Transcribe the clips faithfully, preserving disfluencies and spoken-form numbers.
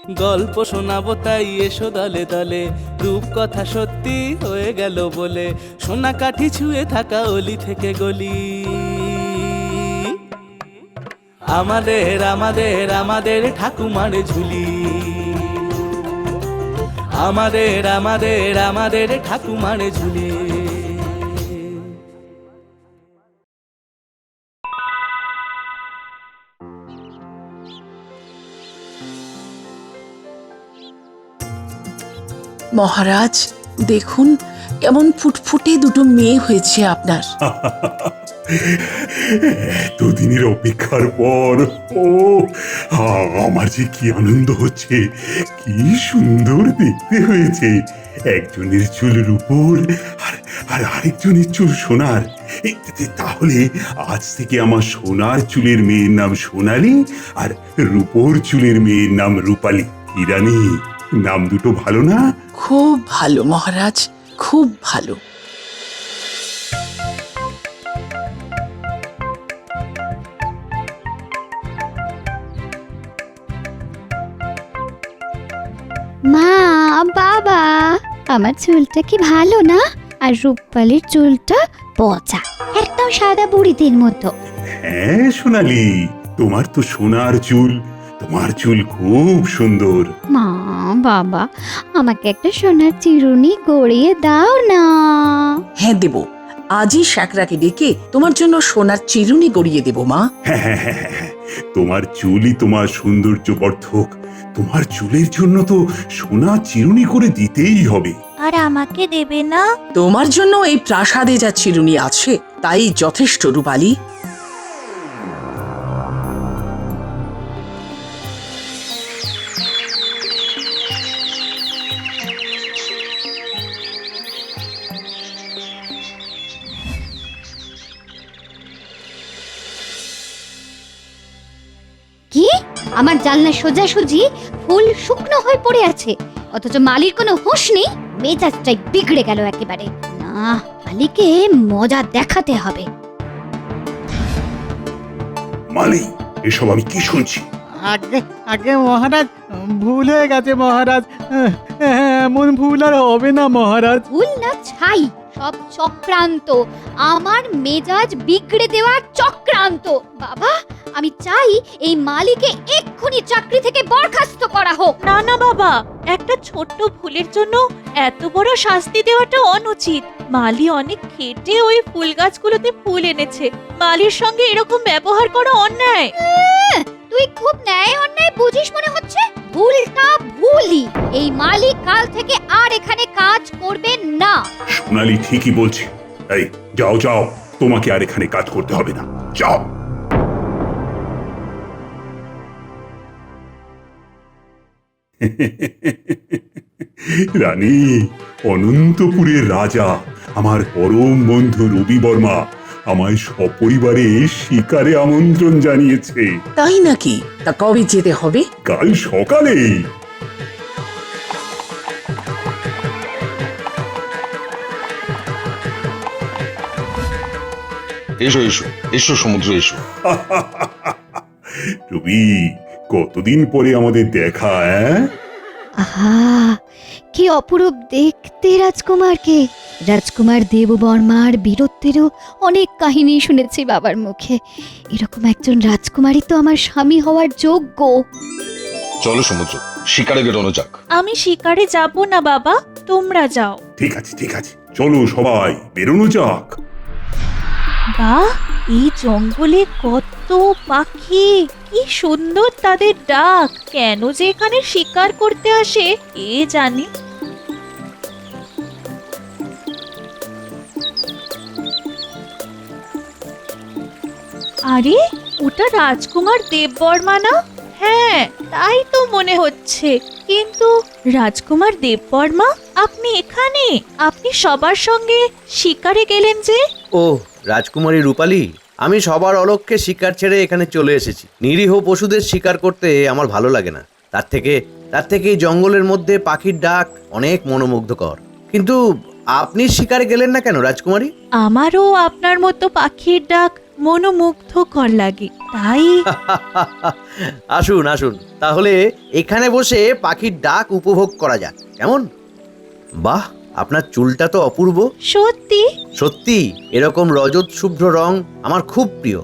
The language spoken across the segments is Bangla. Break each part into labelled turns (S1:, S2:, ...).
S1: গল্প শোনাবো তাই এসো দলে দলে, রূপকথা সত্যি হয়ে গেল বলে, সোনা কাঠি ছুঁয়ে থাকা অলি থেকে গলি। আমাদের আমাদের আমাদের ঠাকুমার ঝুলি, আমাদের আমাদের আমাদের ঠাকুমার ঝুলি।
S2: মহারাজ দেখুন কেমন ফুটফুটে দুটো মেয়ে হয়েছে আপনার।
S3: দুদিনের অপেক্ষার পর ও আমার যে কি আনন্দ হচ্ছে, কি সুন্দর দেখতে হয়েছে। একজনের চুল রূপোর আর আর আরেকজনের চুল সোনার। তাহলে আজ থেকে আমার সোনার চুলের মেয়ের নাম সোনালী আর রূপোর চুলের মেয়ের নাম রূপালী। ইরানি, নাম দুটো ভালো না?
S2: খুব ভালো মহারাজ, খুব ভালো।
S4: মা, বাবা, আমার চুলটা কি ভালো না? আর রূপালীর চুলটা পচা, একদম সাদা বুড়িদের মতো।
S3: হ্যাঁ সোনালী, তোমার তো সোনার চুল, তোমার চুল খুব সুন্দর।
S4: মা, বাবা, আমাকে একটা সোনার চিরুনি গড়িয়ে দাও না।
S2: হ্যাঁ দেব, আজই শাকরাকে ডেকে তোমার জন্য সোনার চিরুনি গড়িয়ে দেব মা।
S3: হ্যাঁ হ্যাঁ হ্যাঁ হ্যাঁ, তোমার চুলই তোমার সৌন্দর্য বর্ধক। তোমার চুলের জন্য তো সোনা চিরুনি করে দিতেই হবে।
S5: আর আমাকে দেবে না?
S2: তোমার জন্য এই প্রাসাদে যা চিরুনি আছে তাই যথেষ্ট রূপালী।
S4: কি? আমার জানলা সোজাসুজি ফুল শুকনো হয়ে পড়ে আছে, অথচ মালির কোনো হুঁশ নেই। মেজাজটাই বিগড়ে গেল একেবারে। না, মালিকে মজা দেখাতে হবে।
S3: মালি, এসব আমি কি শুনছি?
S6: আগে আগে মহারাজ, ভুল হয়ে গেছে মহারাজ। এমন ভুল আর হবে না মহারাজ।
S4: ভুল না ছাই, সব চক্রান্ত, আমার মেজাজ বিগড়ে দেওয়ার চক্রান্ত। বাবা, আমি চাই এই মালিকে এক্ষুনি চাকরি থেকে বরখাস্ত করা হোক।
S5: না না বাবা, একটা ছোট্ট ভুলের জন্য এত বড় শাস্তি দেওয়াটা অনুচিত। মালি অনেক খেটে ওই ফুল গাছগুলোতে ফুল এনেছে, মালির সঙ্গে এরকম ব্যবহার করা অন্যায়।
S4: তুই খুব ন্যায় অন্যায় বুঝিস মনে হচ্ছে। ভুলটা ভুলই। এই মালিক কাল থেকে আর এখানে কাজ করবে না।
S3: সোনালী ঠিকই বলছে। এই যাও যাও, তোমাকে আর এখানে কাজ করতে হবে না, যাও। রানী, অনন্তপুরের রাজা আমার পরম বন্ধু রবি বর্মা আমায় সপরিবারে শিকারে আমন্ত্রণ জানিয়েছে।
S2: তাই নাকি? তা কবে যেতে হবে?
S3: কাল সকালে।
S7: এসো এসো এসো সমুদ্র, এসো।
S3: রবি, কতদিন পরে আমাদের দেখা। হ্যাঁ,
S4: আহা, কি অপরূপ দেখতে রাজকুমারকে। রাজকুমার দেববর্মার বীরত্বেরও অনেক কাহিনী শুনেছি বাবার মুখে। এরকম একজন রাজকুমারই তো আমার স্বামী হওয়ার যোগ্য।
S7: চলো সমুদ্র, শিকারে বেরোনো যাক।
S5: আমি শিকারে যাব না বাবা, তোমরা যাও।
S3: ঠিক আছে ঠিক আছে, চলো সবাই বেরোনো যাক।
S5: বাহ, এই জঙ্গলে কত পাখি, কি সুন্দর তাদের ডাক। কেন যে এখানে শিকার করতে আসে কে জানে। আরে, ওটা রাজকুমার দেববর্মা না? হ্যাঁ, তাই তো মনে হচ্ছে। কিন্তু রাজকুমার দেববর্মা, আপনি এখানে? আপনি সবার সঙ্গে শিকারে গেলেন যে?
S8: ও রাজকুমারী রূপালী, আমি সবার অলক্ষ্যে শিকার ছেড়ে এখানে চলে এসেছি। নিরীহ পশুদের শিকার করতে আমার ভালো লাগে না। তার থেকে তার থেকে এই জঙ্গলের মধ্যে পাখির ডাক অনেক মনোমুগ্ধকর। কিন্তু আপনি শিকারে গেলেন না কেন রাজকুমারী?
S5: আমারও আপনার মতো পাখির ডাক মনোমুগ্ধকর লাগে, তাই
S8: আসুন আসুন, তাহলে এখানে বসে পাখির ডাক উপভোগ করা যাক, কেমন? বাহ, আপনার চুলটা তো অপূর্ব।
S5: সত্যি
S8: সত্যি, এরকম রজত শুভ্র রং আমার খুব প্রিয়।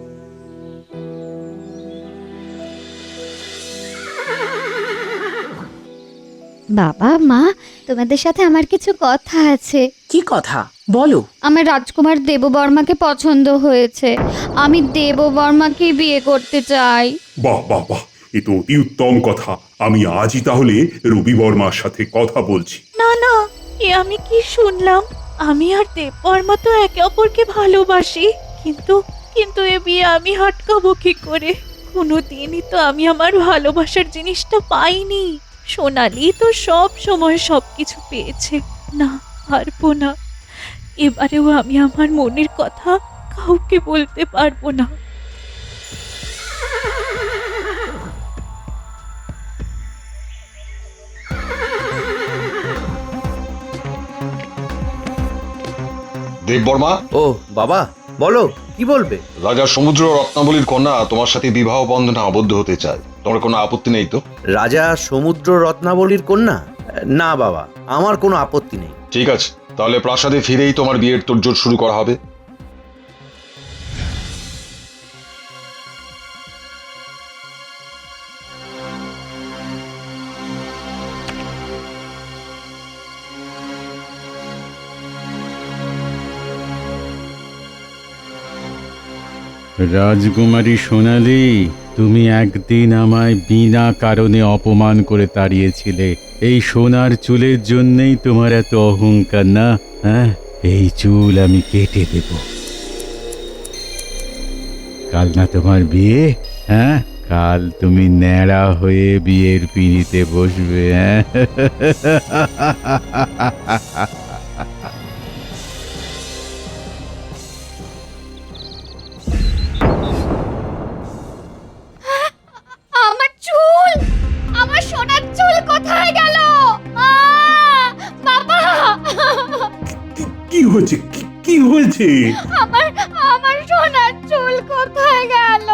S4: বাবা মা, তোমাদের সাথে আমার কিছু কথা আছে।
S2: কি কথা বলো?
S4: আমার রাজকুমার দেববর্মাকে পছন্দ হয়েছে, আমি দেববর্মাকে বিয়ে করতে চাই।
S3: বাহ বাহ বাহ, এ তো অতি উত্তম কথা। আমি আজই তাহলে রবি বর্মার সাথে কথা বলছি।
S5: না না, এ আমি কি শুনলাম? আমি আর দেববর্মা তো একে অপরকে ভালোবাসি, কিন্তু কিন্তু এ বিয়ে আমি আটকাবো কি করে? কোনোদিনই তো আমি আমার ভালোবাসার জিনিসটা পাইনি। সোনালি তো সব সময় সবকিছু পেয়েছে, না পারবো না। এবারেও আমি আমার মনের কথা কাউকে বলতে পারবো না।
S7: দেববর্মা,
S8: ও বাবা, বলো কি বলবে?
S7: রাজা সমুদ্র রত্নাবলীর কন্যা তোমার সাথে বিবাহ বন্ধনে আবদ্ধ হতে চায়, তোমার কোনো আপত্তি নেই তো?
S8: রাজা সমুদ্র রত্নাবলীর কন্যা? না বাবা, আমার কোনো আপত্তি নেই।
S7: ঠিক আছে, তাহলে প্রাসাদে ফিরেই তোমার বিয়ের তোড়জোড় শুরু করা হবে।
S9: রাজকুমারী সোনালি, তুমি একদিন আমায় বিনা কারণে অপমান করে তাড়িয়েছিলে। এই সোনার চুলের জন্যই তোমার এত অহংকার না? হ্যাঁ, এই চুল আমি কেটে দেব। কাল না তোমার বিয়ে? হ্যাঁ, কাল তুমি ন্যাড়া হয়ে বিয়ের পিঁড়িতে বসবে। হ্যাঁ,
S4: আমার চুল, আমার সোনার চুল কোথায় গেল? বাবা,
S3: কি- কি হয়েছে? কি- কি হয়েছে?
S4: আমার আমার সোনার চুল কোথায় গেল?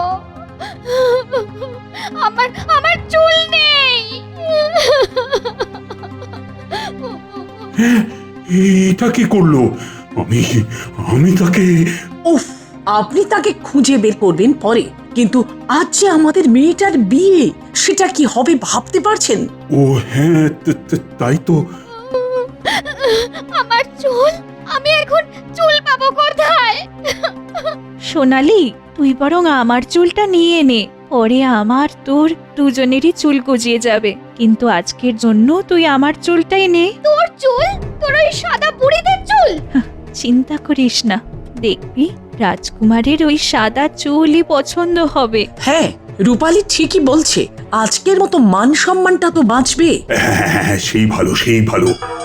S4: আমার আমার চুল নেই।
S3: হ্যাঁ, এটা কি করলো? আমি আমি তাকে
S2: উফ, আপনি তাকে খুঁজে বের করবেন পরে, কিন্তু আজ যে আমাদের মেয়েটার বিয়ে, সেটা কি হবে ভাবতে পারছেন?
S3: ও হ্যাঁ, ত- ত- তাই তো।
S4: আমার চুল, আমি এখন চুল পাবো কোথায়?
S5: সোনালি, তুই বরং আমার চুলটা নিয়ে নে, পরে আমার তোর দুজনেরই চুল গজিয়ে যাবে। কিন্তু আজকের জন্য তুই আমার চুলটাই নে।
S4: তোর চুল? তোর ওই সাদা বুড়িদের চুল?
S5: চিন্তা করিস না, দেখবি রাজকুমারের ওই সাদা চুলই পছন্দ হবে।
S2: হ্যাঁ, রূপালী ঠিকই বলছে, আজকের মতো মান সম্মানটা তো বাঁচবে।
S3: হ্যাঁ, হ্যাঁ, হ্যাঁ, সেই ভালো, সেই ভালো।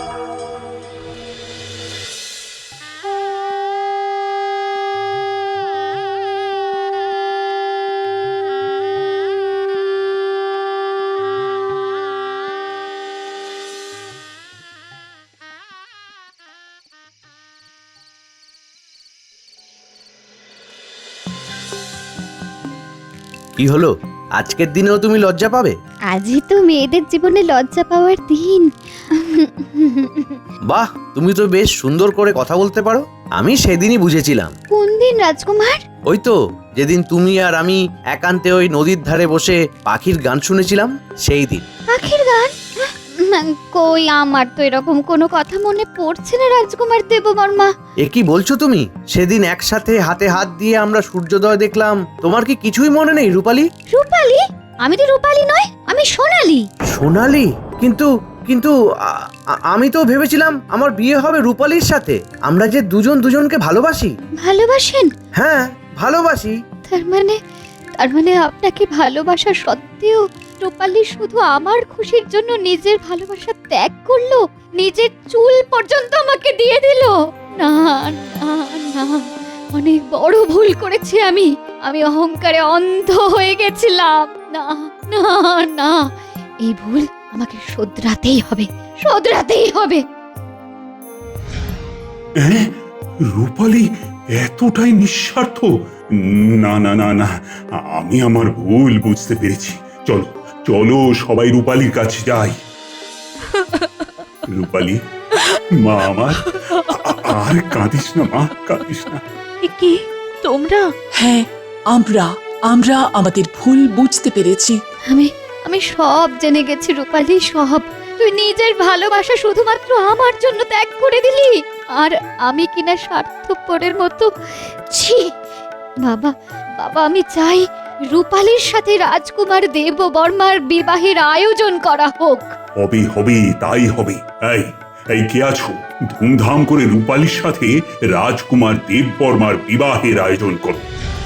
S8: কি হলো? আজকের দিনেও তুমি লজ্জা পাবে?
S4: আজই তো মেয়েদের জীবনে লজ্জা পাওয়ার দিন।
S8: বাহ, তুমি তো বেশ সুন্দর করে কথা বলতে পারো। আমি সেদিনই বুঝেছিলাম।
S4: কোন দিন রাজকুমার?
S8: ওই তো, যেদিন তুমি আর আমি একান্তে ওই নদীর ধারে বসে পাখির গান শুনেছিলাম, সেই দিন।
S4: পাখির গান? কই, আমার তো এরকম কোনো কথা মনে পড়ছে না রাজকুমার দেববর্মা।
S8: এ কি বলছো তুমি? সেদিন একসাথে হাতে হাত দিয়ে আমরা সূর্যোদয় দেখলাম, তোমার কি কিছুই মনে নেই রূপালী?
S4: রূপালী? আমি তো রূপালী নয়, আমি সোনালী।
S8: সোনালী? কিন্তু কিন্তু আ- আ- আমি তো ভেবেছিলাম আমার বিয়ে হবে রূপালীর সাথে। আমরা যে দুজন দুজনকে ভালোবাসি।
S4: ভালোবাসেন?
S8: হ্যাঁ, ভালোবাসি।
S4: তার মানে তার মানে আপনাকে ভালোবাসা সত্ত্বেও রূপালী শুধু আমার খুশির জন্য নিজের ভালোবাসা ত্যাগ করলো, নিজের চুল পর্যন্ত আমাকে দিয়ে দিল। না না না, অনেক বড় ভুল করেছি আমি। আমি অহংকারে অন্ধ হয়ে গেছিলাম। না না না, এই ভুল আমাকে শোধরাতেই হবে, শোধরাতেই হবে।
S3: হ্যাঁ, রূপালী এতটাই নিঃস্বার্থ? না না না না, আমি আমার ভুল বুঝতে পেরেছি। চলো চলো সবাই রূপালীর কাছে যাই। রূপালী, মা আমার, আ- আর কাঁদিস না মা, কাঁদিস না।
S5: এ কি তোমরা?
S2: হ্যাঁ, আমরা আমরা আমাদের ভুল বুঝতে পেরেছি।
S4: আমি আমি সব জেনে গেছি রূপালি, সব। তুই নিজের ভালোবাসা শুধুমাত্র আমার জন্য ত্যাগ করে দিলি, আর আমি কিনা স্বার্থপরের মতো। ছি বাবা, বাবা আমি চাই রূপালির সাথে রাজকুমার দেব বর্মার বিবাহের আয়োজন করা হোক।
S3: হবে হবে, তাই হবে। এই এই কে আছো? ধুমধাম করে রূপালীর সাথে রাজকুমার দেববর্মার বিবাহের আয়োজন করো।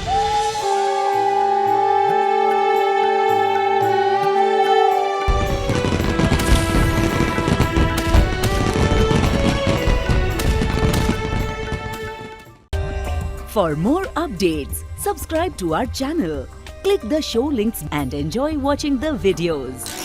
S10: For more updates, subscribe to our channel, click the show links and enjoy watching the videos.